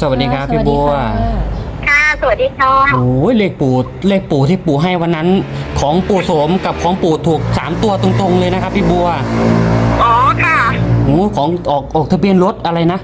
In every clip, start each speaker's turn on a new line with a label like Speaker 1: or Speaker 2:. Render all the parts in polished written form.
Speaker 1: สวัสดีครับพี่บัว
Speaker 2: ค่ะสวัสดีค่ะ
Speaker 1: โอ้ยเลขปู่ที่ปู่ให้วันนั้นของปู่โสมกับของปู่ถูก3 ตัวตรงๆเลยนะครับพี่บัว
Speaker 2: อ๋อค่ะ
Speaker 1: โอ้ของออกทะเบียนรถอะไรนะ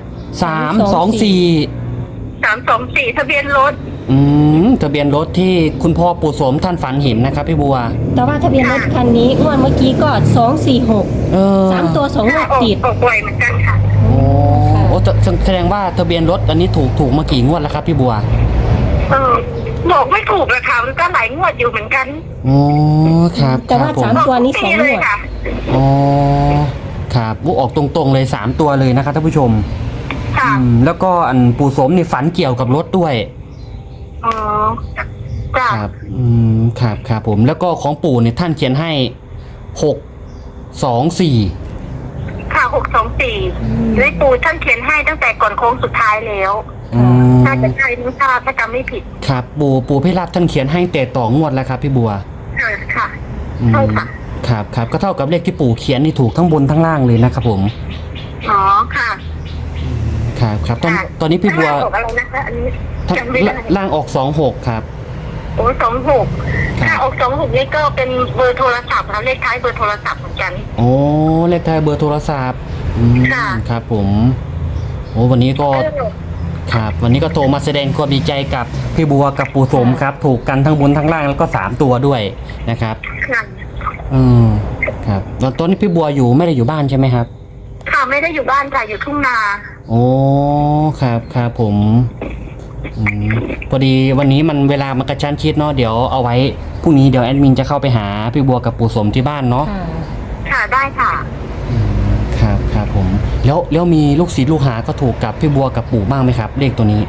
Speaker 1: 324
Speaker 2: ทะเบียนรถ
Speaker 1: ทะเบียนรถที่คุณพ่อปู่โสมท่านฝันเห็นนะครับพี่บัว
Speaker 3: แต่ว่าทะเบียนรถคันนี้งวดเมื่อกี้ก็246 3 ตัว2 งวดติด
Speaker 2: ออกบ่อยเหมือนกันค่ะ
Speaker 1: โอ้แสดงว่าทะเบียนรถอันนี้ถูกมากี่งวดแล้วครับพี่บัว
Speaker 2: บอกไม่ถูกเลยค่ะมันก็หลายงวดอยู่เหมือนกัน
Speaker 1: อ๋อครับ
Speaker 3: แต่ว่า3 ตัวนี้2 งวด
Speaker 1: อ๋อครับออกตรงๆเลย3 ตัวเลยนะครับท่านผู้ชม
Speaker 2: ค่ะ
Speaker 1: แล้วก็อันปู่โสมนี่ฝันเกี่ยวกับรถด้วย
Speaker 2: อ๋อจ้ะ
Speaker 1: ครับครับผมแล้วก็ของปู่เนี่ยท่านเขียนให้624
Speaker 2: ค่ะ624เลขปู่ท่านเขียนให้ตั้งแต่ก่อนโค้งสุดท้ายแล้วถ้าจะใช่ไม่ทราบถ้าจำไม่ผิด
Speaker 1: ครับปู่พิราบท่านเขียนให้แต่ต่องวดแล้วครับพี่บัว
Speaker 2: ค่ะใช่ค่ะ
Speaker 1: ครับก็เท่ากับเลขที่ปู่เขียนนี่ถูกทั้งบนทั้งล่างเลยนะครับผม
Speaker 2: อ๋อค่ะ
Speaker 1: ครับตอนนี้พี่บัว
Speaker 2: อะไรนะคะอันนี้
Speaker 1: ล่างออก26ครับ
Speaker 2: โอ้26ถ้าออก26นี่ก็เป็นเบอร์โทรศัพท์แล้วเลขท้ายเบอร์โทรศัพท์เหมือนกัน
Speaker 1: โอ้เลขท้ายเบอร์โทรศัพท์ครับผมโอ้วันนี้ก็ครับวันนี้ก็โทรมาแสดงความดีใจกับพี่บัวกับปู่โสมครับถูกกันทั้งบนทั้งล่างแล้วก็3 ตัวด้วยนะครับครับตอนนี้พี่บัวไม่ได้อยู่บ้านใช่ไหมครับ
Speaker 2: ค่ะไม่ได้อยู่บ้านค่ะอยู่ทุ่งนา
Speaker 1: โอ้ครับผมพอดีวันนี้มันเวลามันกระชั้นชิดเนาะเดี๋ยวเอาไว้พรุ่งนี้เดี๋ยวแอดมินจะเข้าไปหาพี่บัวกับปู่โสมที่บ้านเนาะ
Speaker 2: ค่ะได้ค่ะ
Speaker 1: ครับผมแล้วมีลูกศิษย์ลูกหาก็ถูกกับพี่บัวกับปู่บ้างไหมครับเลขตัวนี้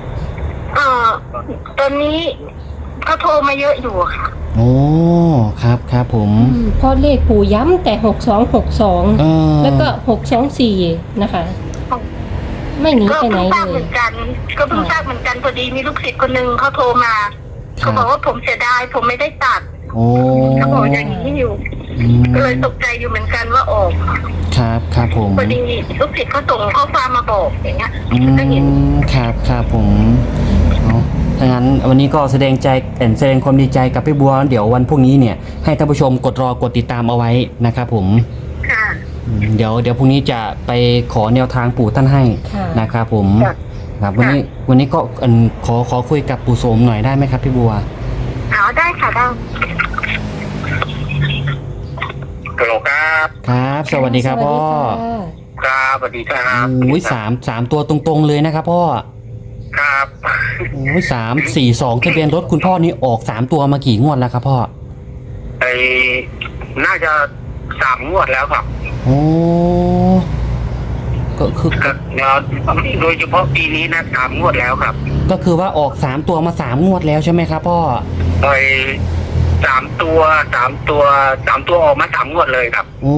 Speaker 2: ตอนนี้เขาโทรมาเยอะอยู่ค่ะ
Speaker 1: โอ้ครับผม
Speaker 3: เพราะเลขปู่ย้ำแต่6262แล้วก็624นะคะไม่หนีไปไหนเลย
Speaker 2: ก็เพิ่งทราบเหมือนกันพอดีมีลูกศิษย์คนนึงเขาโทรมาเขาบอกว่าผมเสียดายผมไม่ได้ตัดเขาบอกอย่างนี้อยู่ก็เลยตกใจอยู่เหมือนกันว่าออก
Speaker 1: ครับผม
Speaker 2: พอดีลูกศิษย์เขาส่งข้อความมาบอกอย่างเงี้ยก็เห็น
Speaker 1: ครับผมถ้างั้นวันนี้ก็แสดงความดีใจกับพี่บัวเดี๋ยววันพรุ่งนี้เนี่ยให้ท่านผู้ชมกดติดตามเอาไว้นะครับผม
Speaker 2: ค่ะ
Speaker 1: เดี๋ยวพรุ่งนี้จะไปขอแนวทางปู่ท่านให้นะครับผมครับวันนี้ก็ขอคุยกับปู่โสมหน่อยได้ไหมครับพี่บัว
Speaker 2: ได้ค่ะได้ฮัลโหล
Speaker 1: ครับสวัสดีครับพ่อ
Speaker 2: ครับสวัสดีครับ
Speaker 1: โอ้ยสามตัวตรงๆเลยนะครับพ่อ
Speaker 2: ครับ
Speaker 1: โอ้ย342ทะเบียนรถคุณพ่อนี่ออก3 ตัวมากี่งวดแล้วครับพ่อ
Speaker 2: น่าจะ3 งวดแล้วครับ
Speaker 1: โอ้ก็คือ
Speaker 2: โดยเฉพาะปีนี้นะ3 งวดแล้วครับ
Speaker 1: ก็คือว่าออก3 ตัวมา3 งวดแล้วใช่ไหมครับพ่อ
Speaker 2: 3 ตัวออกมา3 งวดเลยครับ
Speaker 1: โอ้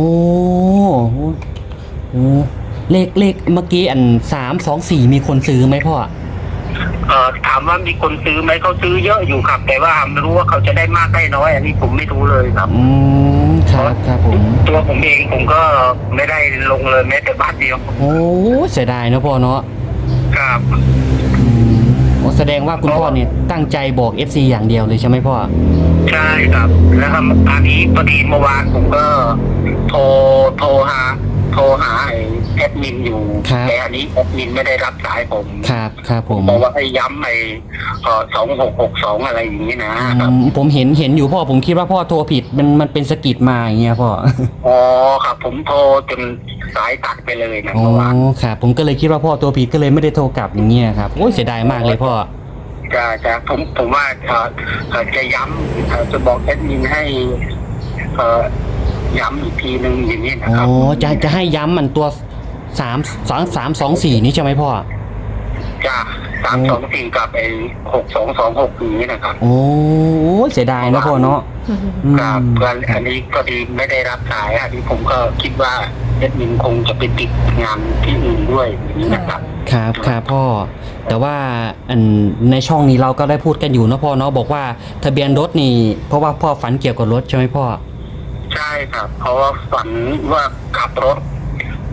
Speaker 1: เลขเมื่อกี้324มีคนซื้อไหมพ่อ
Speaker 2: ถามว่ามีคนซื้อไหมเขาซื้อเยอะอยู่ครับแต่ว่าไม่รู้ว่าเขาจะได้มากได้น้อยอันนี้ผมไม่รู้เลยครับ
Speaker 1: ครับผม
Speaker 2: ตัวผมเองผมก็ไม่ได้ลงเลยแม้แต่บาทเดียว
Speaker 1: โอ้เสียดายนะพ่อเนาะ
Speaker 2: ครับ
Speaker 1: แสดงว่าคุณพ่อเนี่ยตั้งใจบอก FC อย่างเดียวเลยใช่ไหมพ่อ
Speaker 2: ใช่ครับแล้วอันนี้พอดีเมื่อวานผมก็โทรหาแอดมินอยู่แต่อันนี้แอดมินไม่ได้รับสายผม
Speaker 1: ครับผม
Speaker 2: บอกว่าให้ย้ำ2662อะไรอย่างนี้นะ
Speaker 1: ผมเห็นอยู่พ่อผมคิดว่าพ่อโทรผิดมันเป็นสกิดมาอย่างเงี้ยพ่อ
Speaker 2: อ๋อครับผมโทรจนสายตัดไปเลยนะ
Speaker 1: เมื่อวานครับผมก็เลยคิดว่าพ่อโทรผิดก็เลยไม่ได้โทรกลับอย่างเงี้ยครับโอ้ยเสียดายมากเลยพ่อ
Speaker 2: จะผมว่าจะย้ำจะบอกแอดมินให้ย้ำอีกทีนึงอย่างนี้นะครับ
Speaker 1: อ๋อจะให้ย้ำมันตัว324นี่ใช่ไหมพ่อ
Speaker 2: จ้า324กับ6226อย่างนี้นะครับ
Speaker 1: โอ้เสียดายนะพ่อเนาะ
Speaker 2: ครับอันนี้ก็ดีไม่ได้รับสายอันนี้ผมก็คิดว่าแอดมินคงจะไปติดงานที่อื่นด้วยอย่างนี้นะครับ
Speaker 1: ครับพ่อแต่ว่าในช่องนี้เราก็ได้พูดกันอยู่นะพ่อเนาะบอกว่าทะเบียนรถนี่เพราะว่าพ่อฝันเกี่ยวกับรถใช่ไหมพ่อ
Speaker 2: ใช่ครับเพราะว่าฝันว่าขับรถ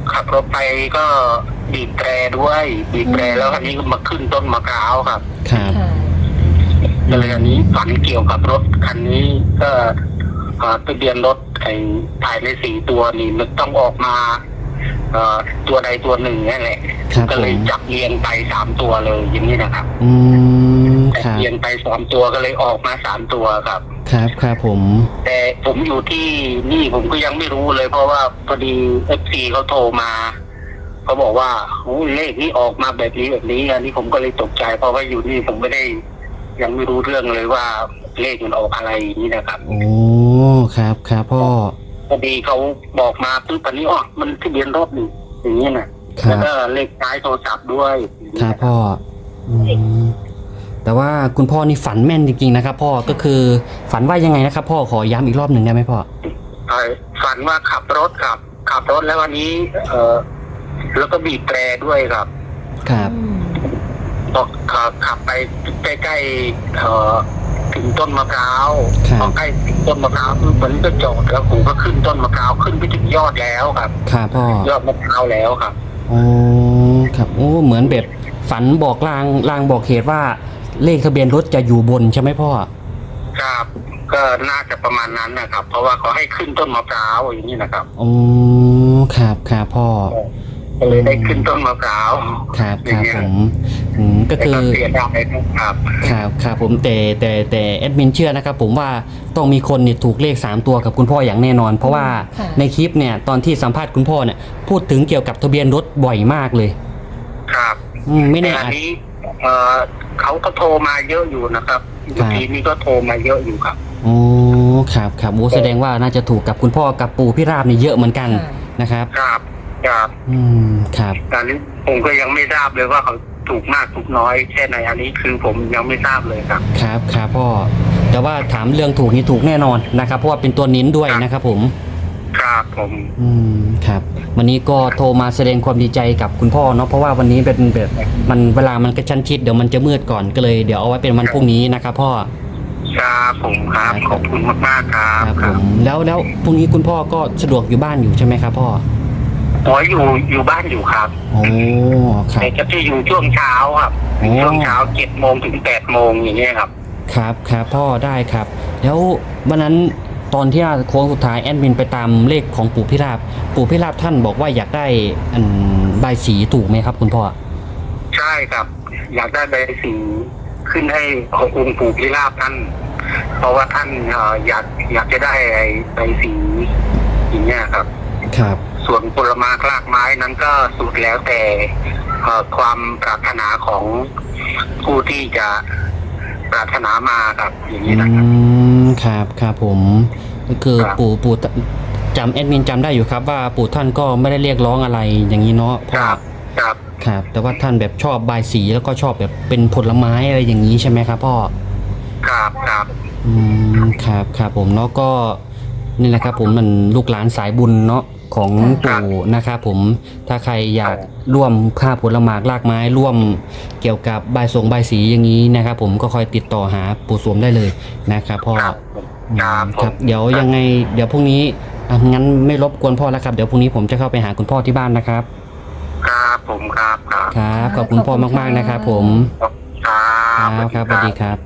Speaker 4: ขับรถไปก็บีบแตรด้วยบีบแตรแล้วอันนี้ก็มาขึ้นต้นมะพร้าวครับ
Speaker 1: ครับ
Speaker 3: ค่ะ
Speaker 4: ก็เลยอันนี้ฝันเกี่ยวกับรถคันนี้ก็ทะเบียนรถไอ้ภายใน4 ตัวนี่มันต้องออกมาตัวใดตัวหนึ่งนี่แหละ
Speaker 1: ครับ
Speaker 4: ก็
Speaker 1: ผ
Speaker 4: เลย
Speaker 1: ม
Speaker 4: จับเรียงไป3 ตัวเลยอย่างนี้นะครับ
Speaker 1: อืมครับ
Speaker 4: เรียงไป3 ตัวก็เลยออกมา3 ตัวครับ
Speaker 1: ครับครับผม
Speaker 4: แต่ผมอยู่ที่นี่ผมก็ยังไม่รู้เลย เพราะว่าพอดีFCเขาโทรมาเขาบอกว่าโอ้เลขนี้ออกมาแบบนี้อันนี้ผมก็เลยตกใจเพราะว่าอยู่นี่ผมไม่ได้ยังไม่รู้เรื่องเลยว่าเลขมันออกอะไรอย่างนี้นะครับ
Speaker 1: โอ้ครับครับพ่อ
Speaker 4: พอดีเขาบอกมาปุ๊บอันนี้อ๋อมันทะเบียนรถนี่อย่างนี้นะแล้วก็เลขท้ายโทรศัพท์ด้วย
Speaker 1: ครับพ่ออืมแต่ว่าคุณพ่อนี่ฝันแม่นจริงๆนะครับ พ่อก็คือฝันว่ายังไงนะครับ พ่อขอย้ำอีกรอบหนึ่งได้ไหมพ่อ
Speaker 4: ฝันว่าขับรถแล้ววันนี้แล้วก็บีบแตรด้วยครับ
Speaker 1: ครับ
Speaker 4: บอกขับไปใกล้ๆถึงต้นมะพร้าว
Speaker 1: ครับ
Speaker 4: พอใกล้ถึงต้นมะพร้าวปุ๊บมันก็จอดแล้วผมก็ขึ้นต้นมะพร้าวขึ้นไปถึงยอดแล้วครับ
Speaker 1: ครับพ่อย
Speaker 4: อดมะพร้าวแล้วครับ
Speaker 1: โอ้ครับโอ้เหมือนแบบฝันบอกลางบอกเหตุว่าเลขทะเบียนรถจะอยู่บนใช่ไหมพ่อ
Speaker 4: ครับก็น่าจะประมาณนั้นนะครับ เพราะว่าเขาให้ขึ้นต้นมะพร้าวอย่างนี้นะครับ
Speaker 1: โอ้ครับครับพ่อ
Speaker 4: ก็เลยได้ขึ้นต้นมะพร้าว
Speaker 1: ครับครับผมก็
Speaker 4: แต่
Speaker 1: คือ
Speaker 4: ก็เสียดายนะครับ
Speaker 1: ครับครับผมแต่แอดมินเชื่อนะครับผมว่าต้องมีคนนี่ถูกเลข3 ตัวกับคุณพ่ออย่างแน่นอน เพราะว่า
Speaker 3: ค่ะ
Speaker 1: ในคลิปเนี่ยตอนที่สัมภาษณ์คุณพ่อเนี่ยพูดถึงเกี่ยวกับทะเบียนรถบ่อยมากเลย
Speaker 4: ครับ
Speaker 1: ไม่แน่
Speaker 4: แต่อัน
Speaker 1: อาจ
Speaker 4: นี้เขาก็โทรมาเยอะอยู่นะครับเมื่อกี้นี้ก็โทรมาเยอะอยู่ครับ
Speaker 1: โอ้ครับครับโอ้แสดงว่าน่าจะถูกกับคุณพ่อกับปู่พี่ราบนี่เยอะเหมือนกันนะครับ
Speaker 4: ครับครับ
Speaker 1: ครับ
Speaker 4: อันนี้ผมก็ยังไม่ทราบเลยว่าเขาถูกมากถูกน้อยแค่ไหนอันนี้คือผมยังไม่ทราบเลยครับ
Speaker 1: ครับครับพ่อแต่ว่าถามเรื่องถูกนี่ถูกแน่นอนนะครับเพราะว่าเป็นตัวนิ้นด้วยนะครับผม
Speaker 4: ครับผม
Speaker 1: ครับวันนี้ก็โทรมาแสดงความดีใจกับคุณพ่อเนาะเพราะว่าวันนี้เป็นแบบมันเวลามันกระชั้นชิดเดี๋ยวมันจะมืดก่อนก็เลยเดี๋ยวเอาไว้เป็นวันพรุ่งนี้นะครับพ่อ
Speaker 4: ครับผมครับขอบคุณมากๆครับ
Speaker 1: ครับผมแล้วพรุ่งนี้คุณพ่อก็สะดวกอยู่บ้านอยู่ใช่ไหมครับพ่อ
Speaker 4: อ๋ออยู่บ้านอยู่ครับ
Speaker 1: โอ้ครับ
Speaker 4: แต่จะอยู่ช่วงเช้าครับ
Speaker 1: โอ้
Speaker 4: ช่วงเช้า7 โมงถึง8 โมงอย่างเงี้ยครับ
Speaker 1: ครับครับพ่อได้ครับ แล้ววันนั้นตอนที่โค้งสุดท้ายแอดมินไปตามเลขของปู่พิราบท่านบอกว่าอยากได้ใบายสีถูกไหมครับคุณพ่อ
Speaker 4: ใช่ครับ อยากได้ใบสีขึ้นให้องค์ปู่พิราบท่าน เพราะว่าท่านอยากจะได้ใบสีอย่างเงี้ยครับ
Speaker 1: ครับ
Speaker 4: ส่วนผลไม้รากไม้นั้นก็สุดแล้วแต่ความปรารถนาของผู้ที่จะปรารถนามาครับอย่างนี้นะครับ
Speaker 1: ครับครับผมก็คือ
Speaker 4: ครับ
Speaker 1: ปู่จำแอดมินจำได้อยู่ครับว่าปู่ท่านก็ไม่ได้เรียกร้องอะไรอย่างนี้เนาะ
Speaker 4: ครับครับ
Speaker 1: ครับ แต่ว่าท่านแบบชอบบายสีแล้วก็ชอบแบบเป็นผลไม้อะไรอย่างนี้ใช่ไหมครับพ่อ
Speaker 4: ครับครับ
Speaker 1: ครับครับผมเนาะก็นี่แหละครับผมมันลูกหลานสายบุญเนาะของปู่นะครับผมถ้าใครอยากร่วมค่าผลไม้รากไม้ร่วมเกี่ยวกับบายสีอย่างนี้นะครับผมก็คอยติดต่อหาปู่สวมได้เลยนะครับพ่อ
Speaker 4: ครับครับผม
Speaker 1: ครับเดี๋ยวยังไงเดี๋ยวพรุ่งนี้งั้นไม่รบกวนพ่อแล้วครับเดี๋ยวพรุ่งนี้ผมจะเข้าไปหาคุณพ่อที่บ้านนะครับ
Speaker 4: ครับผมครับครับ
Speaker 1: ครับขอบคุณพ่อมากๆนะครับผม
Speaker 4: ครับ
Speaker 1: ครับสวัสดีครับ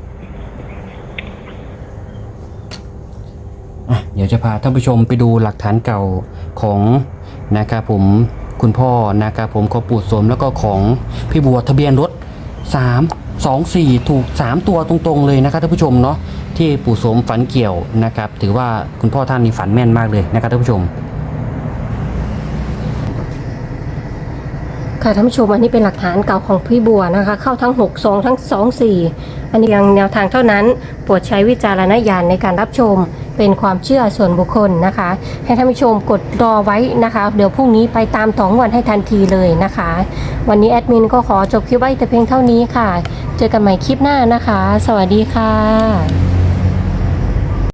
Speaker 1: เดี๋ยวจะพาท่านผู้ชมไปดูหลักฐานเก่าของนะครับผมคุณพ่อนะครับผมของปู่สมแล้วก็ของพี่บัวทะเบียนรถ324ถูก3 ตัวตรงๆเลยนะครับท่านผู้ชมเนาะที่ปู่สมฝันเกี่ยวนะครับถือว่าคุณพ่อท่านนี้ฝันแม่นมากเลยนะครับท่านผู้ชม
Speaker 3: ค่ะท่านผู้ชมอันนี้เป็นหลักฐานเก่าของพี่บัวนะคะเข้าทั้ง62ทั้ง24อันนี้ยังแนวทางเท่านั้นโปรดใช้วิจารณญาณในการรับชมเป็นความเชื่อส่วนบุคคลนะคะให้ท่านผู้ชมกดรอไว้นะคะเดี๋ยวพรุ่งนี้ไปตาม2 วันให้ทันทีเลยนะคะวันนี้แอดมินก็ขอจบคลิปไว้แต่เพียงเท่านี้ค่ะเจอกันใหม่คลิปหน้านะคะสวัสดีค่ะ